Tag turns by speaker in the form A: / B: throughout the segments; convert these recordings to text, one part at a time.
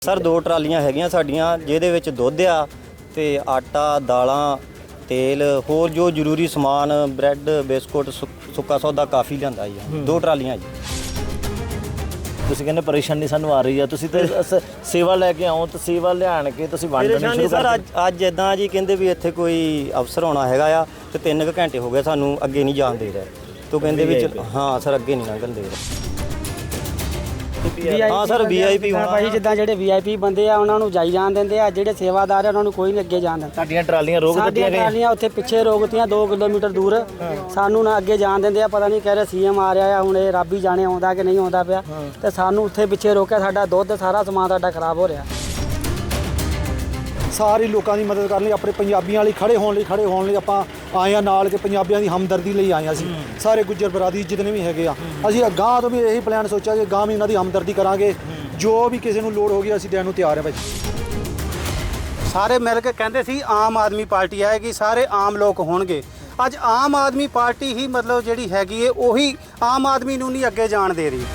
A: Sir 2 ਟਰਾਲੀਆਂ ਹੈਗੀਆਂ ਸਾਡੀਆਂ ਜਿਹਦੇ ਵਿੱਚ ਦੁੱਧ ਆ ਤੇ ਆਟਾ ਦਾਲਾਂ ਤੇਲ ਹੋਰ ਜੋ ਜ਼ਰੂਰੀ ਸਮਾਨ ਬ੍ਰੈਡ ਬਿਸਕੁਟ ਸੁੱਕਾ ਸੌਦਾ ਕਾਫੀ ਲਿਆਂਦਾ ਜੀ 2 ਟਰਾਲੀਆਂ ਜੀ।
B: ਤੁਸੀਂ ਕਹਿੰਦੇ ਪਰੇਸ਼ਾਨੀ ਸਾਨੂੰ ਆ ਰਹੀ ਆ, ਤੁਸੀਂ ਤੇ ਸੇਵਾ ਲੈ ਕੇ ਆਓ ਤਾਂ ਸੇਵਾ ਲਿਆਣ ਕੇ ਤੁਸੀਂ ਵੰਡਣੀ ਸ਼ੁਰੂ ਕਰ
A: ਸਰ ਅੱਜ ਇਦਾਂ ਜੀ ਕਹਿੰਦੇ ਵੀ ਇੱਥੇ ਕੋਈ ਅਫਸਰ ਆਉਣਾ ਹੈਗਾ ਆ ਤੇ 3 ਘੰਟੇ ਹੋ ਗਏ ਸਾਨੂੰ ਅੱਗੇ ਨਹੀਂ ਜਾਣ ਦੇ ਰਹੇ ਤੋ ਕਹਿੰਦੇ ਵੀ ਹਾਂ ਸਰ ਅੱਗੇ ਨਹੀਂ ਲੰਘਣ ਦੇ ਰਹੇ। ਹਾਂ ਸਰ ਵੀਆਈਪੀ
C: ਭਾਈ ਜਿੱਦਾਂ ਜਿਹੜੇ ਵੀਆਈਪੀ ਬੰਦੇ ਆ ਉਹਨਾਂ ਨੂੰ ਜਾਈ ਜਾਣ ਦਿੰਦੇ ਆ, ਜਿਹੜੇ ਸੇਵਾਦਾਰ ਆ ਉਹਨਾਂ ਨੂੰ ਕੋਈ ਨਹੀਂ ਅੱਗੇ ਜਾਣ ਦਿੰਦਾ।
B: ਸਾਡੀਆਂ ਟਰਾਲੀਆਂ ਰੋਕ ਦਿੱਤੀਆਂ ਗਈਆਂ,
C: ਟਰਾਲੀਆਂ ਉੱਥੇ ਪਿੱਛੇ ਰੋਕਤੀਆਂ 2 ਕਿਲੋਮੀਟਰ ਦੂਰ, ਸਾਨੂੰ ਨਾ ਅੱਗੇ ਜਾਣ ਦਿੰਦੇ ਆ। ਪਤਾ ਨਹੀਂ ਕਹਿ ਰਹੇ ਸੀਐਮ ਆ ਰਿਹਾ ਆ, ਹੁਣ ਇਹ ਰੱਬ ਹੀ ਜਾਣੇ ਆਉਂਦਾ ਕਿ ਨਹੀਂ ਆਉਂਦਾ ਪਿਆ, ਤੇ ਸਾਨੂੰ ਉੱਥੇ ਪਿੱਛੇ ਰੋਕਿਆ। ਸਾਡਾ ਦੁੱਧ ਸਾਰਾ ਸਮਾਨ ਸਾਡਾ ਖਰਾਬ ਹੋ ਰਿਹਾ।
D: ਸਾਰੇ ਲੋਕਾਂ ਦੀ ਮਦਦ ਕਰਨ ਲਈ, ਆਪਣੇ ਪੰਜਾਬੀਆਂ ਲਈ ਖੜੇ ਹੋਣ ਲਈ ਆਪਾਂ ਆਏ ਆ ਨਾਲ, ਕਿ ਪੰਜਾਬੀਆਂ ਦੀ ਹਮਦਰਦੀ ਲਈ ਆਏ ਆ। ਅਸੀਂ ਸਾਰੇ ਗੁੱਜਰ ਬਰਾਦਰੀ ਜਿਤਨੇ ਵੀ ਹੈਗੇ ਆ, ਅਸੀਂ ਅਗਾਂਹ ਤੋਂ ਵੀ ਇਹੀ ਪਲਾਨ ਸੋਚਿਆ ਕਿ ਅਗਾਂਹ ਵੀ ਇਹਨਾਂ ਦੀ ਹਮਦਰਦੀ ਕਰਾਂਗੇ। ਜੋ ਵੀ ਕਿਸੇ ਨੂੰ ਲੋੜ ਹੋਗੀ ਅਸੀਂ ਦੇਣ ਨੂੰ ਤਿਆਰ ਹਾਂ ਭਾਈ।
E: ਸਾਰੇ ਮਿਲ ਕੇ ਕਹਿੰਦੇ ਸੀ ਆਮ ਆਦਮੀ ਪਾਰਟੀ ਆਏਗੀ, ਸਾਰੇ ਆਮ ਲੋਕ ਹੋਣਗੇ। ਅੱਜ ਆਮ ਆਦਮੀ ਪਾਰਟੀ ਹੀ ਮਤਲਬ ਜਿਹੜੀ ਹੈਗੀ ਏ ਉਹੀ ਆਮ ਆਦਮੀ ਨੂੰ ਨਹੀਂ ਅੱਗੇ ਜਾਣ ਦੇ ਰਹੀ।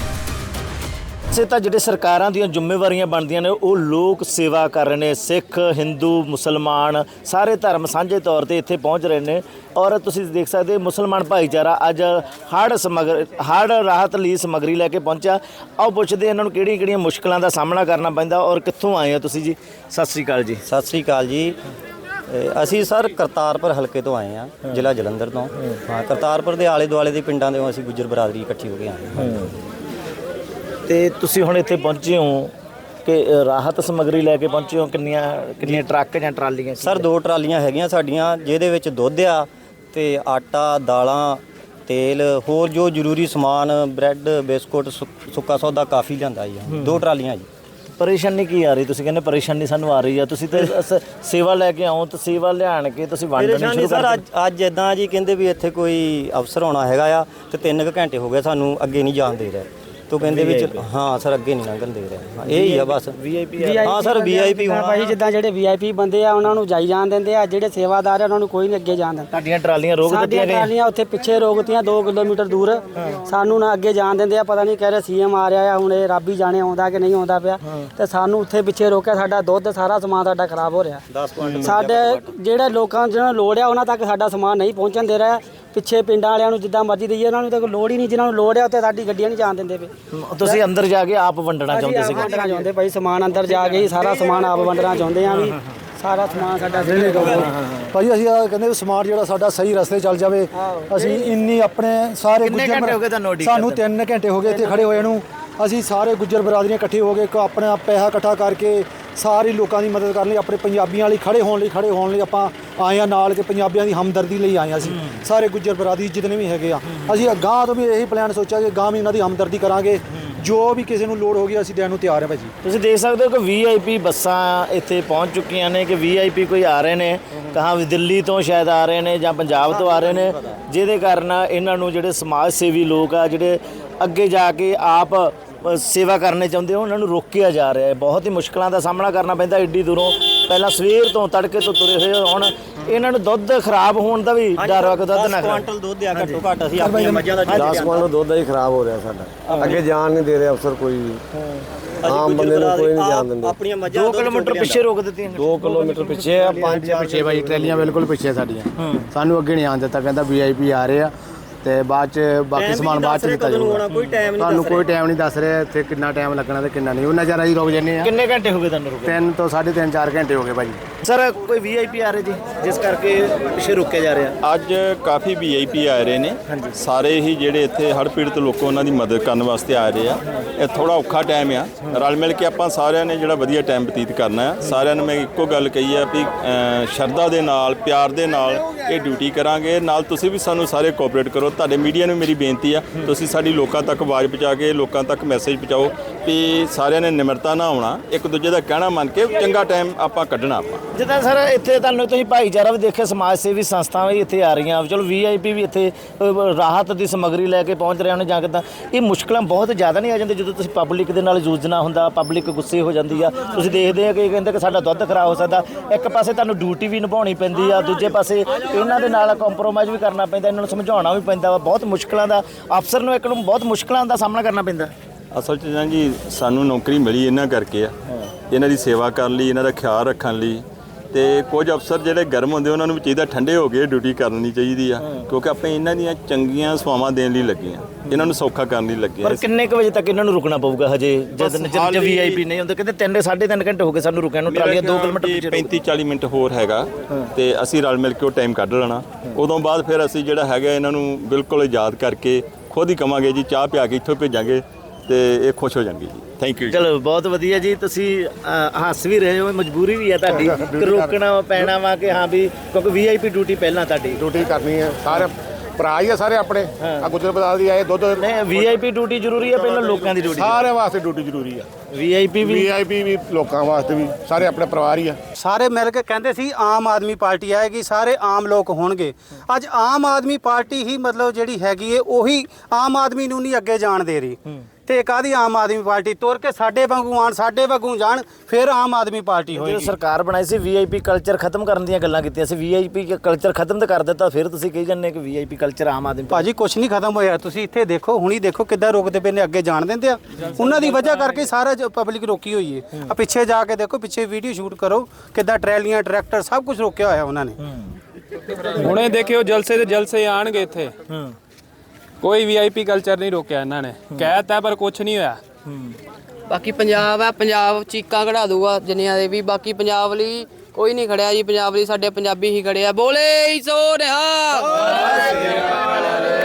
B: ਤਾਂ ਜਿਹੜੇ ਸਰਕਾਰਾਂ ਦੀਆਂ ਜ਼ਿੰਮੇਵਾਰੀਆਂ ਬਣਦੀਆਂ ਨੇ ਉਹ ਲੋਕ ਸੇਵਾ ਕਰ ਰਹੇ ਨੇ। ਸਿੱਖ ਹਿੰਦੂ ਮੁਸਲਮਾਨ ਸਾਰੇ ਧਰਮ ਸਾਂਝੇ ਤੌਰ ਤੇ ਇੱਥੇ ਪਹੁੰਚ ਰਹੇ ਨੇ। ਔਰ ਤੁਸੀਂ ਦੇਖ ਸਕਦੇ ਮੁਸਲਮਾਨ ਭਾਈਚਾਰਾ ਅੱਜ ਹੜ੍ਹ ਰਾਹਤ ਲਈ ਸਮੱਗਰੀ ਲੈ ਕੇ ਪਹੁੰਚਿਆ। ਆਓ ਪੁੱਛਦੇ ਇਹਨਾਂ ਨੂੰ ਕਿਹੜੀਆਂ ਮੁਸ਼ਕਲਾਂ ਦਾ ਸਾਹਮਣਾ ਕਰਨਾ ਪੈਂਦਾ ਔਰ ਕਿੱਥੋਂ ਆਏ ਹੋ ਤੁਸੀਂ ਜੀ। ਸਤਿ ਸ਼੍ਰੀ ਅਕਾਲ ਜੀ।
A: ਸਤਿ ਸ੍ਰੀ ਅਕਾਲ ਜੀ। ਅਸੀਂ ਸਰ ਕਰਤਾਰਪੁਰ ਹਲਕੇ ਤੋਂ ਆਏ ਆ, ਜ਼ਿਲ੍ਹਾ ਜਲੰਧਰ ਤੋਂ। ਹਾਂ, ਕਰਤਾਰਪੁਰ ਦੇ ਆਲੇ ਦੁਆਲੇ ਦੇ ਪਿੰਡਾਂ ਦੇ ਅਸੀਂ ਗੁੱਜਰ ਬਰਾਦਰੀ ਇਕੱਠੀ ਹੋ ਕੇ ਆਏ।
B: ਤੇ ਤੁਸੀਂ ਹੁਣ ਇੱਥੇ ਪਹੁੰਚੇ ਹੋ ਕਿ ਰਾਹਤ ਸਮੱਗਰੀ ਲੈ ਕੇ ਪਹੁੰਚੇ ਹੋ? ਕਿੰਨੀਆਂ ਟਰੱਕ ਜਾਂ ਟਰਾਲੀਆਂ?
A: ਸਰ 2 ਟਰਾਲੀਆਂ ਹੈਗੀਆਂ ਸਾਡੀਆਂ ਜਿਹਦੇ ਵਿੱਚ ਦੁੱਧ ਆ ਤੇ ਆਟਾ ਦਾਲਾਂ ਤੇਲ ਹੋਰ ਜੋ ਜ਼ਰੂਰੀ ਸਮਾਨ ਬ੍ਰੈਡ ਬਿਸਕੁਟ ਸੁੱਕਾ ਸੌਦਾ ਕਾਫੀ ਲਿਆਂਦਾ ਜੀ 2 ਟਰਾਲੀਆਂ ਜੀ।
B: ਪਰੇਸ਼ਾਨੀ ਕੀ ਆ ਰਹੀ? ਤੁਸੀਂ ਕਹਿੰਦੇ ਪਰੇਸ਼ਾਨੀ ਸਾਨੂੰ ਆ ਰਹੀ ਆ, ਤੁਸੀਂ ਤੇ ਸੇਵਾ ਲੈ ਕੇ ਆਓ ਤਾਂ ਸੇਵਾ ਲਿਆਣ ਕੇ ਤੁਸੀਂ ਵੰਡਣੀ ਸ਼ੁਰੂ ਕਰ।
A: ਸਰ ਅੱਜ ਇਦਾਂ ਜੀ ਕਹਿੰਦੇ ਵੀ ਇੱਥੇ ਕੋਈ ਅਫਸਰ ਆਉਣਾ ਹੈਗਾ ਆ ਤੇ 3 ਘੰਟੇ ਹੋ ਗਏ ਸਾਨੂੰ ਅੱਗੇ ਨਹੀਂ ਜਾਣ ਦੇ ਰਹੇ ਤੋ ਕਹਿੰਦੇ ਵੀ ਹਾਂ ਸਰ ਅੱਗੇ ਨਹੀਂ ਲੰਘਣ ਦੇ ਰਹੇ। ਇਹ ਹੀ ਆ ਬਸ ਵੀਆਈਪੀ। ਹਾਂ ਸਰ ਵੀਆਈਪੀ
C: ਭਾਈ ਜਿੱਦਾਂ ਜਿਹੜੇ ਵੀਆਈਪੀ ਬੰਦੇ ਆ ਉਹਨਾਂ ਨੂੰ ਜਾਈ ਜਾਣ ਦਿੰਦੇ ਆ, ਜਿਹੜੇ ਸੇਵਾਦਾਰ ਆ ਉਹਨਾਂ ਨੂੰ ਕੋਈ ਨਹੀਂ ਅੱਗੇ ਜਾਣ ਦਿੰਦਾ।
B: ਸਾਡੀਆਂ ਟਰਾਲੀਆਂ ਰੋਕ ਦਿੱਤੀਆਂ ਗਈਆਂ,
C: ਟਰਾਲੀਆਂ ਉੱਥੇ ਪਿੱਛੇ ਰੋਕਤੀਆਂ 2 ਕਿਲੋਮੀਟਰ ਦੂਰ, ਸਾਨੂੰ ਨਾ ਅੱਗੇ ਜਾਣ ਦਿੰਦੇ ਆ। ਪਤਾ ਨਹੀਂ ਕਹਿ ਰਹੇ ਸੀਐਮ ਆ ਰਿਹਾ ਆ, ਹੁਣ ਇਹ ਰੱਬ ਹੀ ਜਾਣੇ ਆਉਂਦਾ ਕਿ ਨਹੀਂ ਆਉਂਦਾ ਪਿਆ, ਤੇ ਸਾਨੂੰ ਉੱਥੇ ਪਿੱਛੇ ਰੋਕਿਆ। ਸਾਡਾ ਦੁੱਧ ਸਾਰਾ ਸਮਾਨ ਸਾਡਾ ਖਰਾਬ ਹੋ ਰਿਹਾ। ਸਾਡੇ ਜਿਹੜੇ ਲੋਕਾਂ ਜਿਹਨਾਂ ਨੂੰ ਲੋੜ ਆ ਉਹਨਾਂ ਤੱਕ ਸਾਡਾ ਸਮਾਨ ਨਹੀਂ ਪਹੁੰਚਣ ਦੇ ਰਿਹਾ। ਪਿੱਛੇ ਪਿੰਡਾਂ ਵਾਲਿਆਂ ਨੂੰ ਜਿੱਦਾਂ ਮਰਜ਼ੀ ਦਈਏ, ਉਹਨਾਂ ਨੂੰ ਤਾਂ ਕੋਈ ਲੋੜ ਹੀ ਨਹੀਂ। ਜਿਹਨਾਂ ਨੂੰ ਲੋੜ ਆ ਉੱਥੇ ਸਾਡੀ ਗੱਡੀਆਂ ਨਹੀਂ ਜਾਣ ਦਿੰਦੇ ਪਏ।
B: ਤੁਸੀਂ ਅੰਦਰ ਜਾ ਕੇ ਆਪ ਵੰਡਣਾ ਚਾਹੁੰਦੇ ਸੀ?
C: ਵੰਡਣਾ ਚਾਹੁੰਦੇ ਭਾਈ, ਸਮਾਨ ਅੰਦਰ ਜਾ ਕੇ ਹੀ ਸਾਰਾ ਸਮਾਨ ਆਪ ਵੰਡਣਾ ਚਾਹੁੰਦੇ ਆ ਵੀ ਸਾਰਾ ਸਮਾਨ ਸਾਡਾ
D: ਭਾਈ ਅਸੀਂ ਕਹਿੰਦੇ ਸਮਾਨ ਜਿਹੜਾ ਸਾਡਾ ਸਹੀ ਰਸਤੇ ਚੱਲ ਜਾਵੇ। ਅਸੀਂ ਇੰਨੀ ਆਪਣੇ ਸਾਰੇ ਸਾਨੂੰ 3 ਘੰਟੇ ਹੋ ਗਏ ਇੱਥੇ ਖੜੇ ਹੋਏ ਨੂੰ। ਅਸੀਂ ਸਾਰੇ ਗੁੱਜਰ ਬਰਾਦਰੀਆਂ ਇਕੱਠੇ ਹੋ ਕੇ ਆਪਣਾ ਪੈਸਾ ਇਕੱਠਾ ਕਰਕੇ ਸਾਰੇ ਲੋਕਾਂ ਦੀ ਮਦਦ ਕਰਨ ਲਈ, ਆਪਣੇ ਪੰਜਾਬੀਆਂ ਲਈ ਖੜੇ ਹੋਣ ਲਈ ਆਪਾਂ ਆਏ ਆ ਨਾਲ, ਕਿ ਪੰਜਾਬੀਆਂ ਦੀ ਹਮਦਰਦੀ ਲਈ ਆਏ ਆ। ਅਸੀਂ ਸਾਰੇ ਗੁੱਜਰ ਬਰਾਦਰੀ ਜਿਤਨੇ ਵੀ ਹੈਗੇ ਆ, ਅਸੀਂ ਅਗਾਂਹ ਤੋਂ ਵੀ ਇਹੀ ਪਲਾਨ ਸੋਚਿਆ ਕਿ ਅਗਾਂਹ ਵੀ ਇਹਨਾਂ ਦੀ ਹਮਦਰਦੀ ਕਰਾਂਗੇ। ਜੋ ਵੀ ਕਿਸੇ ਨੂੰ ਲੋੜ ਹੋਗੀ ਅਸੀਂ ਦੇਣ ਨੂੰ ਤਿਆਰ ਹਾਂ ਭਾਜੀ।
B: ਤੁਸੀਂ ਦੇਖ ਸਕਦੇ ਹੋ ਕਿ ਵੀਆਈਪੀ ਬੱਸਾਂ ਇੱਥੇ ਪਹੁੰਚ ਚੁੱਕੀਆਂ ਨੇ, ਕਿ ਵੀਆਈਪੀ ਕੋਈ ਆ ਰਹੇ ਨੇ, ਕਹਾਂ ਵੀ ਦਿੱਲੀ ਤੋਂ ਸ਼ਾਇਦ ਆ ਰਹੇ ਨੇ ਜਾਂ ਪੰਜਾਬ ਤੋਂ ਆ ਰਹੇ ਨੇ, ਜਿਹਦੇ ਕਾਰਨ ਇਹਨਾਂ ਨੂੰ ਜਿਹੜੇ ਸਮਾਜ ਸੇਵੀ ਲੋਕ ਆ ਜਿਹੜੇ ਅੱਗੇ ਜਾ ਕੇ ਆਪ ਸੇਵਾ ਕਰਨੇ ਚਾਹੁੰਦੇ ਹੋ ਉਹਨਾਂ ਨੂੰ ਰੋਕਿਆ ਜਾ ਰਿਹਾ ਹੈ। ਬਹੁਤ ਹੀ ਮੁਸ਼ਕਲਾਂ ਦਾ ਸਾਹਮਣਾ ਕਰਨਾ ਪੈਂਦਾ ਏਡੀ ਦੂਰੋਂ। ਪਹਿਲਾਂ ਸਵੇਰ ਤੋਂ ਤੜਕੇ ਤੋਂ ਤੁਰੇ ਹੋਏ, ਹੁਣ ਇਹਨਾਂ ਨੂੰ ਦੁੱਧ ਖਰਾਬ ਹੋਣ ਦਾ ਵੀ ਡਰ ਵਾ ਕਿ ਦੁੱਧ ਨਾ
A: ਕੁਆਂਟਲ ਦੁੱਧ ਆ ਘੱਟੋ ਘੱਟ। ਅਸੀਂ ਆਪਣੀਆਂ ਮੱਝਾਂ ਦਾ
F: 10 ਕੁਆਂਟਲ ਦੁੱਧ ਹੀ ਖਰਾਬ ਹੋ ਰਿਹਾ ਸਾਡਾ। ਅੱਗੇ ਜਾਣ ਨਹੀਂ ਦੇ ਰਹੇ ਅਫਸਰ ਕੋਈ ਵੀ, ਆਮ ਬੰਦੇ ਨੂੰ ਕੋਈ ਨਹੀਂ ਜਾਣ ਦਿੰਦੇ।
A: ਆਪਣੀਆਂ ਮੱਝਾਂ
B: 2 ਕਿਲੋਮੀਟਰ ਪਿੱਛੇ ਰੋਕ ਦਿੱਤੀਆਂ।
F: 2 ਕਿਲੋਮੀਟਰ ਪਿੱਛੇ ਆ, 5
G: ਪਿੱਛੇ ਭਾਈ ਟਰੈਲੀਆਂ ਬਿਲਕੁਲ ਪਿੱਛੇ ਸਾਡੀਆਂ। ਸਾਨੂੰ ਅੱਗੇ ਨਹੀਂ ਆਉਣ ਦਿੱਤਾ, ਕਹਿੰਦਾ ਵੀਆਈਪੀ ਆ ਰਹੇ ਆ ਤੇ ਬਾਅਦ ਚ ਬਾਕੀ ਸਮਾਨ ਬਾਅਦ ਚ ਦਿੱਤਾ ਜਾਊਗਾ। ਤੁਹਾਨੂੰ ਕੋਈ ਟਾਈਮ ਨਹੀਂ ਦੱਸ ਰਿਹਾ ਇੱਥੇ ਕਿੰਨਾ ਟਾਈਮ ਲੱਗਣਾ ਤੇ ਕਿੰਨਾ ਨਹੀਂ। ਉਹਨਾਂ ਚਿਰ ਅਸੀਂ ਰੁਕ ਜੰਨੇ ਆ।
B: ਕਿੰਨੇ ਘੰਟੇ ਹੋ ਗਏ ਤੁਹਾਨੂੰ ਰੁਕੇ?
G: 3 ਤੋਂ 3.5 4 ਘੰਟੇ ਹੋ ਗਏ ਭਾਜੀ।
B: ਸਰ ਕੋਈ ਵੀਆਈਪੀ ਆ ਰਹੇ ਜੀ ਜਿਸ ਕਰਕੇ ਪਿੱਛੇ ਰੁਕਿਆ ਜਾ ਰਿਹਾ?
H: ਅੱਜ ਕਾਫੀ ਵੀਆਈਪੀ ਆ ਰਹੇ ਨੇ। ਸਾਰੇ ਹੀ ਜਿਹੜੇ ਇੱਥੇ ਹੜ੍ਹ ਪੀੜਤ ਲੋਕ ਉਹਨਾਂ ਦੀ ਮਦਦ ਕਰਨ ਵਾਸਤੇ ਆ ਰਹੇ ਆ। ਇਹ ਥੋੜਾ ਔਖਾ ਟਾਈਮ ਆ, ਰਲ ਮਿਲ ਕੇ ਆਪਾਂ ਸਾਰਿਆਂ ਨੇ ਜਿਹੜਾ ਵਧੀਆ ਟਾਈਮ ਬਤੀਤ ਕਰਨਾ ਆ। ਸਾਰਿਆਂ ਨੂੰ ਮੈਂ ਇੱਕੋ ਗੱਲ ਕਹੀ ਆ ਵੀ ਸ਼ਰਧਾ ਦੇ ਨਾਲ ਪਿਆਰ ਦੇ ਨਾਲ ਇਹ ਡਿਊਟੀ ਕਰਾਂਗੇ। ਨਾਲ ਤੁਸੀਂ ਵੀ ਸਾਨੂੰ ਸਾਰੇ ਕੋਆਪਰੇਟ ਕਰੋ। ਤੁਹਾਡੇ ਮੀਡੀਆ ਨੂੰ ਮੇਰੀ ਬੇਨਤੀ ਆ, ਤੁਸੀਂ ਸਾਡੀ ਲੋਕਾਂ ਤੱਕ ਆਵਾਜ਼ ਪਹੁੰਚਾ ਕੇ ਲੋਕਾਂ ਤੱਕ ਮੈਸੇਜ ਪਹੁੰਚਾਓ ਵੀ ਸਾਰਿਆਂ ਨੇ ਨਿਮਰਤਾ ਨਾਲ ਆਉਣਾ, ਇੱਕ ਦੂਜੇ ਦਾ ਕਹਿਣਾ ਮੰਨ ਕੇ ਚੰਗਾ ਟਾਈਮ ਆਪਾਂ ਕੱਢਣਾ। ਆਪਾਂ
B: ਜਿੱਦਾਂ ਸਰ ਇੱਥੇ ਤੁਹਾਨੂੰ ਤੁਸੀਂ ਭਾਈਚਾਰਾ ਵੀ ਦੇਖਿਆ, ਸਮਾਜ ਸੇਵੀ ਸੰਸਥਾਵਾਂ ਵੀ ਇੱਥੇ ਆ ਰਹੀਆਂ, ਚਲੋ ਵੀਆਈਪੀ ਵੀ ਇੱਥੇ ਰਾਹਤ ਦੀ ਸਮੱਗਰੀ ਲੈ ਕੇ ਪਹੁੰਚ ਰਹੇ ਹਨ ਜਾਂ ਕਿੱਦਾਂ। ਇਹ ਮੁਸ਼ਕਲਾਂ ਬਹੁਤ ਜ਼ਿਆਦਾ ਨਹੀਂ ਆ ਜਾਂਦੀ ਜਦੋਂ ਤੁਸੀਂ ਪਬਲਿਕ ਦੇ ਨਾਲ ਜੂਝਣਾ ਹੁੰਦਾ, ਪਬਲਿਕ ਗੁੱਸੇ ਹੋ ਜਾਂਦੀ ਆ। ਤੁਸੀਂ ਦੇਖਦੇ ਆ ਕਿ ਕਹਿੰਦੇ ਕਿ ਸਾਡਾ ਦੁੱਧ ਖਰਾਬ ਹੋ ਸਕਦਾ। ਇੱਕ ਪਾਸੇ ਤੁਹਾਨੂੰ ਡਿਊਟੀ ਵੀ ਨਿਭਾਉਣੀ ਪੈਂਦੀ ਆ, ਦੂਜੇ ਪਾਸੇ ਇਹਨਾਂ ਦੇ ਨਾਲ ਕੰਪਰੋਮਾਈਜ਼ ਵੀ ਕਰਨਾ ਪੈਂਦਾ, ਇਹਨਾਂ ਨੂੰ ਸਮਝਾਉਣਾ ਵੀ ਪੈਂਦਾ ਵਾ। ਬਹੁਤ ਮੁਸ਼ਕਲਾਂ ਦਾ ਅਫਸਰ ਨੂੰ ਇੱਕ ਨੂੰ ਬਹੁਤ ਮੁਸ਼ਕਲਾਂ ਦਾ ਸਾਹਮਣਾ ਕਰਨਾ ਪੈਂਦਾ।
H: ਅਸਲ 'ਚ ਜੀ ਸਾਨੂੰ ਨੌਕਰੀ ਮਿਲੀ ਇਹਨਾਂ ਕਰਕੇ ਆ ਇਹਨਾਂ ਦੀ ਸੇਵਾ ਕਰਨ ਲਈ, ਇਹਨਾਂ ਦਾ ਖਿਆਲ ਰੱਖਣ ਲਈ। ਤੇ ਕੁਝ ਅਫਸਰ ਜਿਹੜੇ ਗਰਮ ਹੁੰਦੇ ਉਹਨਾਂ ਨੂੰ ਵੀ ਚਾਹੀਦਾ ਠੰਡੇ ਹੋ ਕੇ ਡਿਊਟੀ ਕਰਨੀ ਚਾਹੀਦੀ ਆ, ਕਿਉਂਕਿ ਆਪਾਂ ਇਹਨਾਂ ਦੀਆਂ ਚੰਗੀਆਂ ਸੇਵਾਵਾਂ ਦੇਣ ਲਈ ਲੱਗੇ ਆ, ਇਹਨਾਂ ਨੂੰ ਸੌਖਾ ਕਰਨ ਲਈ ਲੱਗੇ ਆ।
B: ਪਰ ਕਿੰਨੇ ਕੁ ਵਜੇ ਤੱਕ ਇਹਨਾਂ ਨੂੰ ਰੁਕਣਾ ਪਊਗਾ ਹਜੇ ਜਦ ਵੀਆਈਪੀ ਨਹੀਂ ਹੁੰਦੇ? ਕਹਿੰਦੇ 3.5 ਘੰਟੇ ਹੋ ਗਏ ਸਾਨੂੰ ਰੁਕਿਆ ਨੂੰ, ਟਰਾਲੀਆਂ 2 ਕਿਲੋਮੀਟਰ ਪਿੱਛੇ
H: 35-40 ਮਿੰਟ ਹੋਰ ਹੈਗਾ ਤੇ ਅਸੀਂ ਰਲ ਮਿਲ ਕੇ ਉਹ ਟਾਈਮ ਕੱਢ ਲੈਣਾ। ਉਦੋਂ ਬਾਅਦ ਫਿਰ ਅਸੀਂ ਜਿਹੜਾ ਹੈਗਾ ਇਹਨਾਂ ਨੂੰ ਬਿਲਕੁਲ ਆਜ਼ਾਦ ਕਰਕੇ ਖੁਦ ਹੀ ਕਵਾਂਗੇ ਜੀ ਚਾਹ ਪਿਆ ਕੇ ਇੱਥੋਂ ਭੇਜਾਂਗੇ ਤੇ ਇਹ ਖੁਸ਼ ਹੋ ਜਾਣਗੇ ਜੀ। Thank you.
B: ਚਲੋ ਬਹੁਤ ਵਧੀਆ ਜੀ, ਤੁਸੀਂ ਹੱਸ ਵੀ ਰਹੇ ਹੋ, ਮਜਬੂਰੀ ਵੀ ਹੈ ਤੁਹਾਡੀ ਕਿ ਰੋਕਣਾ ਪੈਣਾ ਵਾ ਕਿ ਹਾਂ ਵੀ ਕਿਉਂਕਿ ਵੀਆਈਪੀ ਡਿਊਟੀ ਪਹਿਲਾਂ ਤੁਹਾਡੀ
G: ਡਿਊਟੀ ਕਰਨੀ ਹੈ, ਸਾਰੇ ਭਰਾ ਹੀ ਆ ਸਾਰੇ ਆਪਣੇ। ਆ ਗੁੱਜਰ ਬਦਾਲ ਦੀ ਆਏ ਦੁੱਧ
B: ਨਹੀਂ, ਵੀਆਈਪੀ ਡਿਊਟੀ ਜ਼ਰੂਰੀ ਹੈ ਪਹਿਲਾਂ ਲੋਕਾਂ ਦੀ ਡਿਊਟੀ?
G: ਸਾਰਿਆਂ ਵਾਸਤੇ ਡਿਊਟੀ ਜ਼ਰੂਰੀ ਆ। ਵੀਆਈਪੀ ਵੀ ਲੋਕਾਂ ਵਾਸਤੇ ਵੀ, ਸਾਰੇ ਆਪਣੇ ਪਰਿਵਾਰ ਹੀ ਆ।
E: ਸਾਰੇ ਮਿਲ ਕੇ ਕਹਿੰਦੇ ਸੀ ਆਮ ਆਦਮੀ ਪਾਰਟੀ ਆਏਗੀ, ਸਾਰੇ ਆਮ ਲੋਕ ਹੋਣਗੇ। ਅੱਜ ਆਮ ਆਦਮੀ ਪਾਰਟੀ ਹੀ ਮਤਲਬ ਜਿਹੜੀ ਹੈਗੀ ਏ ਉਹੀ ਆਮ ਆਦਮੀ ਨੂੰ ਨਹੀਂ ਅੱਗੇ ਜਾਣ ਦੇ ਰਹੀ। ਤੇ ਕਾਹਦੀ ਆਮ ਆਦਮੀ ਪਾਰਟੀ ਤੁਰ ਕੇ ਸਾਡੇ ਵਾਂਗੂ ਆਣ, ਸਾਡੇ ਵਾਂਗੂ ਜਾਣ, ਫਿਰ ਆਮ ਆਦਮੀ ਪਾਰਟੀ ਹੋਏਗੀ।
B: ਸਰਕਾਰ ਬਣਾਈ ਸੀ ਵੀਆਈਪੀ ਕਲਚਰ ਖਤਮ ਕਰਨ ਦੀਆਂ ਗੱਲਾਂ ਕੀਤੀਆਂ ਸੀ, ਵੀਆਈਪੀ ਕਲਚਰ ਖਤਮ ਤਾਂ ਕਰ ਦਿੱਤਾ, ਫਿਰ ਤੁਸੀਂ ਕਹੀ ਜਾਂਦੇ ਕਿ ਵੀਆਈਪੀ ਕਲਚਰ ਆਮ ਆਦਮੀ।
E: ਭਾਜੀ ਕੁਛ ਨਹੀਂ ਖਤਮ ਹੋਇਆ, ਤੁਸੀਂ ਇੱਥੇ ਦੇਖੋ, ਹੁਣੀ ਦੇਖੋ ਕਿੱਦਾਂ ਰੋਕਦੇ ਪਏ ਨੇ, ਅੱਗੇ ਜਾਣ ਦਿੰਦੇ ਆ। ਉਹਨਾਂ ਦੀ ਵਜ੍ਹਾ ਕਰਕੇ ਸਾਰਾ ਪਬਲਿਕ ਰੋਕੀ ਹੋਈ ਏ। ਆ ਪਿੱਛੇ ਜਾ ਕੇ ਦੇਖੋ, ਪਿੱਛੇ ਵੀਡੀਓ ਸ਼ੂਟ ਕਰੋ, ਕਿੱਦਾਂ ਟਰੈਲੀਆਂ, ਟਰੈਕਟਰ ਸਭ ਕੁਝ ਰੋਕਿਆ ਹੋਇਆ ਉਹਨਾਂ ਨੇ।
I: ਹੁਣੇ ਦੇਖਿਓ ਜਲਸੇ ਤੇ ਜਲਸੇ ਆਣਗੇ ਇੱਥੇ, ਕੋਈ ਵੀਆਈਪੀ ਕਲਚਰ ਨਹੀਂ ਰੋਕਿਆ ਇਹਨਾਂ ਨੇ, ਕਹਿਤਾ ਪਰ ਕੁਝ ਨਹੀਂ ਹੋਇਆ।
J: ਬਾਕੀ ਪੰਜਾਬ ਹੈ, ਪੰਜਾਬ ਚੀਕਾਂ ਕਢਾ ਦੂਗਾ ਜਿੰਨਿਆਂ ਦੇ ਵੀ। ਬਾਕੀ ਪੰਜਾਬ ਲਈ ਕੋਈ ਨਹੀਂ ਖੜਿਆ ਜੀ, ਪੰਜਾਬ ਲਈ ਸਾਡੇ ਪੰਜਾਬੀ ਹੀ ਖੜੇ ਆ। ਬੋਲੇ ਸੋ ਰਿਹਾ।